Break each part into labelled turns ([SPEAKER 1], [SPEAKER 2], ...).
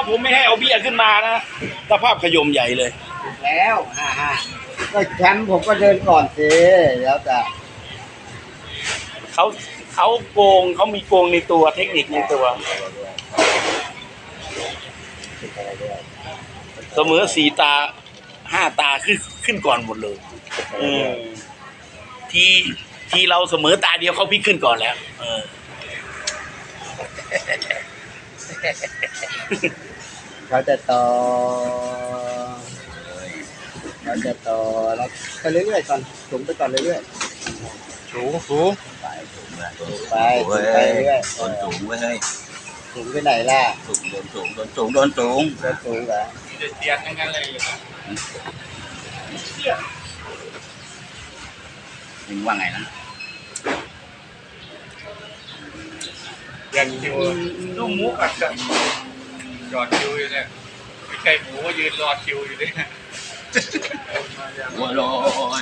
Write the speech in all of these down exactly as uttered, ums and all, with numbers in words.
[SPEAKER 1] ผมไม่ให้เอาเบี้ยขึ้นมานะสภาพขยมใหญ่เลย
[SPEAKER 2] แล้วฮ่าฮ่าก็แชมป์ผมก็เดินก่อนสิแล้วแต่
[SPEAKER 1] เขาเขาโกงเขามีโกงในตัวเทคนิคในตัวเสมอสี่ตาห้าตาขึ้นขึ้นก่อนหมดเลยเออที่ที่เราเสมอตาเดียวเขาพลิกขึ้นก่อนแล้วเออ
[SPEAKER 2] เขาจะต่อเขาจะต่อแล้วไปเรื่อยๆก่อนสูงไปก่อนเรื่อย
[SPEAKER 1] ๆสูงสูง
[SPEAKER 2] ไปสูงไปสูงไปเรื่อย
[SPEAKER 3] โดนสูงเว้ย
[SPEAKER 2] สูงไปไหนล่ะ
[SPEAKER 3] สูงโดนสูงโดนสูงโดนสูง
[SPEAKER 2] โดนสูงเหรอ
[SPEAKER 1] เตียนทั้งนั้นเลย
[SPEAKER 3] มึงว่าไงนะ
[SPEAKER 1] ยันคิวลูกหมูกัดกันจอดคิวอยู่เนี่ยไม่ใช่หมูก็ยืนรอคิวอยู่เนี่ย
[SPEAKER 3] หัวลอย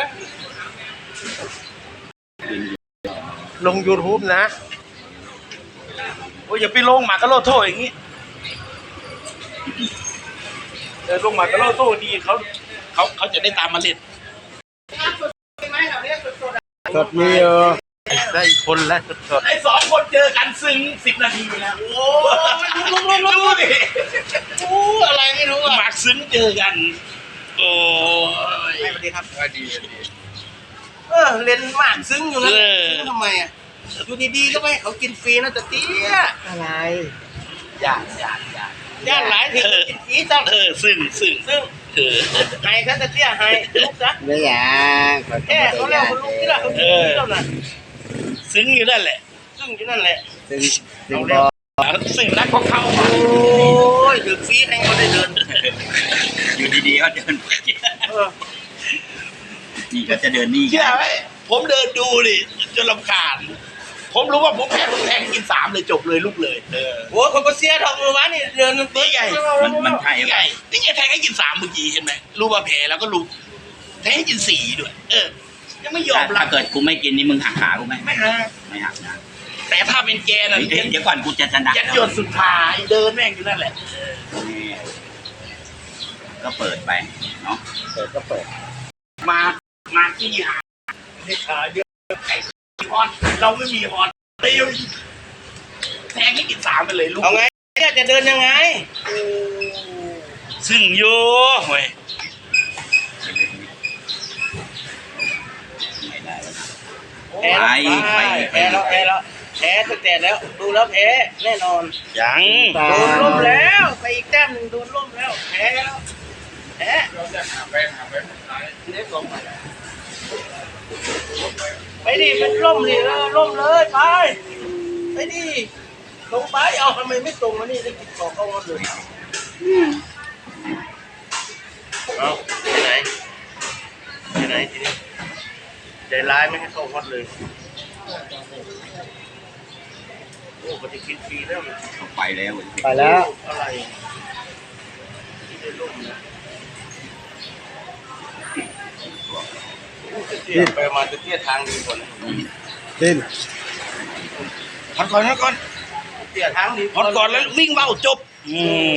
[SPEAKER 1] ลง YouTube นะโอ้ยอย่าไปลงหมากกะโลโต้อย่างนี้เออลงหมากกะโลโต้ดีเขาเขาเขาจะได้ตามมาเล่น
[SPEAKER 2] สดมีเออ
[SPEAKER 1] ได้คนแล้วสดไอ้สองคนเจอกันซึ้งสิบนาทีนะโอ้ยดูดิโอ้อะไรไม่รู้อะหมากซึ้งเจอกันโอ้ยสวัสดีครับดีดีเออเล่นหมากซึ้งอยู่นะซึ้งทำไมอ่ะอยู่ดีๆก็ไม่เขากินฟรีนะแต่เตี้ย
[SPEAKER 2] อะไร
[SPEAKER 1] อยากอยากอยากย่านหลายที่กินฟรีจังเออซึ้งซึ้งซึ้งเออไห้ซะแต่เตี้ยไห้ลูกนะ
[SPEAKER 2] ไม่อยาก
[SPEAKER 1] แค่เขาเรียกว่าลูกที่ละเขากินฟรีแล้วนะซึ้งอยู่นั่นแหละซึ้งอยู่นั่นแหละ
[SPEAKER 2] ซึ้งซึ้ง
[SPEAKER 1] ซึ้งรักของเขาโอ้ยถึงฟรีให้เขาได้เดิน
[SPEAKER 3] อยู่ดีๆก็เดินนี่ก็จะเดินนี่
[SPEAKER 1] ใช่ไหมผมเดินดูดิจนรำคาญผมรู้ว่าผมแพ้ผมแทงกินสามเลยจบเลยลูกเลยเออโอ้คนก็เสียทองมือวะนี่เดินตีใหญ่
[SPEAKER 3] มันมันไทย
[SPEAKER 1] ใหญ่นี่ไงแทงให้กินสามเมื่อกี้เห็นไหมรู้ว่าแพ้แล้วก็รู้แทงให้กินสี่ด้วยเออยังไม่ยอม
[SPEAKER 3] ถ้าเกิดกูไม่กินนี่มึงหักขากูไหม
[SPEAKER 1] ไม่หัก
[SPEAKER 3] ไม่หักนะ
[SPEAKER 1] แต่ถ้าเป็นแกน่ะ
[SPEAKER 3] เดี๋ยวก่อนกูจะชนะ
[SPEAKER 1] ยัดหยดสุดท้ายเดินแม่งอยู่นั่นแหละ
[SPEAKER 3] ก็เปิดไปเนาะ
[SPEAKER 2] เปิดก็เปิด
[SPEAKER 1] มามาที่หาให้ขาเยอะไอ้ฮอนเราไม่มีฮอนเตียวแทงให้กินสามไปเลยลูก
[SPEAKER 2] เอาไงเนี่ยจะเดินยังไง
[SPEAKER 1] ซึ่งโย่เว้ย
[SPEAKER 3] แพ้
[SPEAKER 2] แพ้แล้วแพ้แล้วแพ้ตั้งแต่แล้วดูแล้วแพ้แน่นอน
[SPEAKER 1] ยัง
[SPEAKER 2] โดนล่มแล้วไปอีกแต้มหนึ่งโดนล่มแล้วแพ้แล้วแพ้ไปดิเป็นล่มดิเออล่มเลยไปไปดิลงไปเอาทำไมไม่ตรงวะนี่ได้ติดต่อเข้ามาเลยเอาไปไหนไปไหนทีนี้ใจร้ายไม่ให้เข้าฮอตเลยโอ้ปฏิกินฟรีแล้ว
[SPEAKER 3] ไปแล้ว
[SPEAKER 2] ไปแล้วอะไร
[SPEAKER 1] ดิ้นไปมาจะเตี้ยทางดีกว่า
[SPEAKER 2] ดิ้น
[SPEAKER 1] ฮอตก่อนฮอตก่อน
[SPEAKER 2] เตี้ยทางดี
[SPEAKER 1] ฮอตก่อนแล้ววิ่งเบ้าจบอืม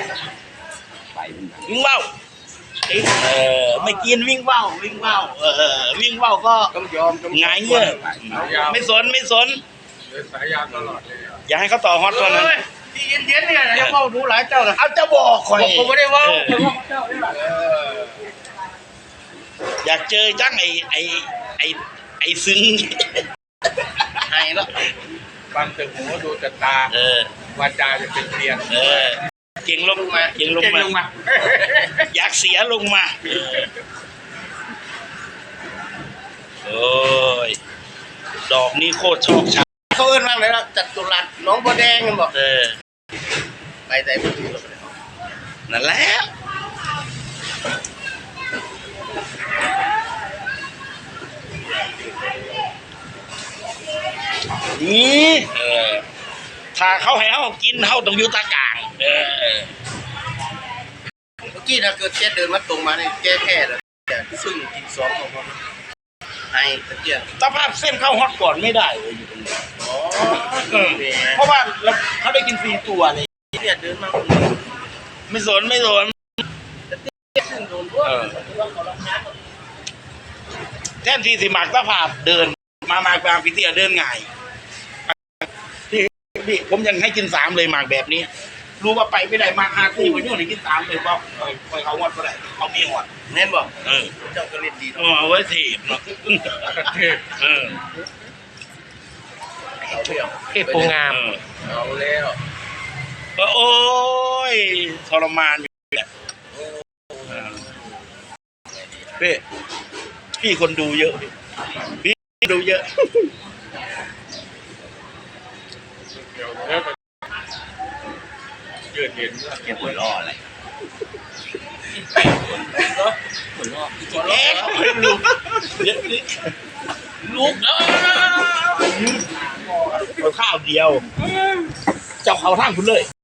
[SPEAKER 1] วิ่งเบ้าเออไม่กินวิ่งเบ้าวิ่งเบ้าเออวิ่งเบ้าก็
[SPEAKER 2] ต้องยอม
[SPEAKER 1] ไงเงี้ยไม่สนไม่สน
[SPEAKER 2] สายยาวตลอดเลย
[SPEAKER 1] อย่าให้เขาต่อฮอตตัวนั้น
[SPEAKER 2] ที่เย็นๆเนี่ยจะเฝ้าดูหลายเจ้านะ
[SPEAKER 1] เอาจะบอกคอย
[SPEAKER 2] ผมไม่ได้ว่า
[SPEAKER 1] อยากเจอจังไอไอไอไอซึ้ง
[SPEAKER 2] ไห้แล้ว
[SPEAKER 1] ฟังแต่หูดูแต่ตาเออวาจาจะเป็นเพียนเออเก่งลงมาเก่งลงมาอยากเสียลงมาโอ้ยดอกนี้โคตรชอบชัก
[SPEAKER 2] เขาเอิ้นว่าอะไรล่ะจัตุรัสน้องบัวแดงกันบอก
[SPEAKER 1] เออ
[SPEAKER 2] ไปแต่ไม่ถูก
[SPEAKER 1] นั่นแหละนี่เออถ้าเขาให้เขากินเขาต้องอยู่ตากลางเออ
[SPEAKER 2] เมื่อกี้ถ้าเกิดแกเดินมาตรงมาเนี่ยแกแค่เลยซึ่งกินสองของเขาให้ตะเกียบ
[SPEAKER 1] สภาพเส้นเข้าฮอตก่อนไม่ได้เลยอยู่ตรงนี้เพราะว่าเขาได้กินฟรีตัวเลย
[SPEAKER 2] เนี่ยเดินมา
[SPEAKER 1] ไม่สนไม่สน
[SPEAKER 2] ซึ่งโดนพวก
[SPEAKER 1] เออ
[SPEAKER 2] ว่าเขาลำน้ำ
[SPEAKER 1] แท่นที่สิหมากตะภาพเดิน มามาบางพิเตียเดินง่ายพี่พี่ผมยังให้กินสามเลยหมากแบบนี้ รู้ว่าไปไม่ได้มากห้าที่ผมยุ่งให้กินสามเลยบอกเออไปเขาวัดก็ได้เขามีหัว
[SPEAKER 2] แน่นบอก
[SPEAKER 1] เออ
[SPEAKER 2] เจ้าก็เล่นดี
[SPEAKER 1] เออเอาไว้ถีบเนาะเออ
[SPEAKER 2] เอาเที่ยว
[SPEAKER 4] เทพโปงาม
[SPEAKER 1] เออ
[SPEAKER 2] เอาแล้ว
[SPEAKER 1] เออโอ้ยทรมานอยู่แหละเออพี่พี่คนดูเยอะพี่ดูเยอะ
[SPEAKER 3] เกี่ยวหัวล้ออะไร
[SPEAKER 1] แอ๊ะไม่รู้เยอะนี่ลูกเออเอาข้าวเดียว เจ้าเขาท่างคุณเลย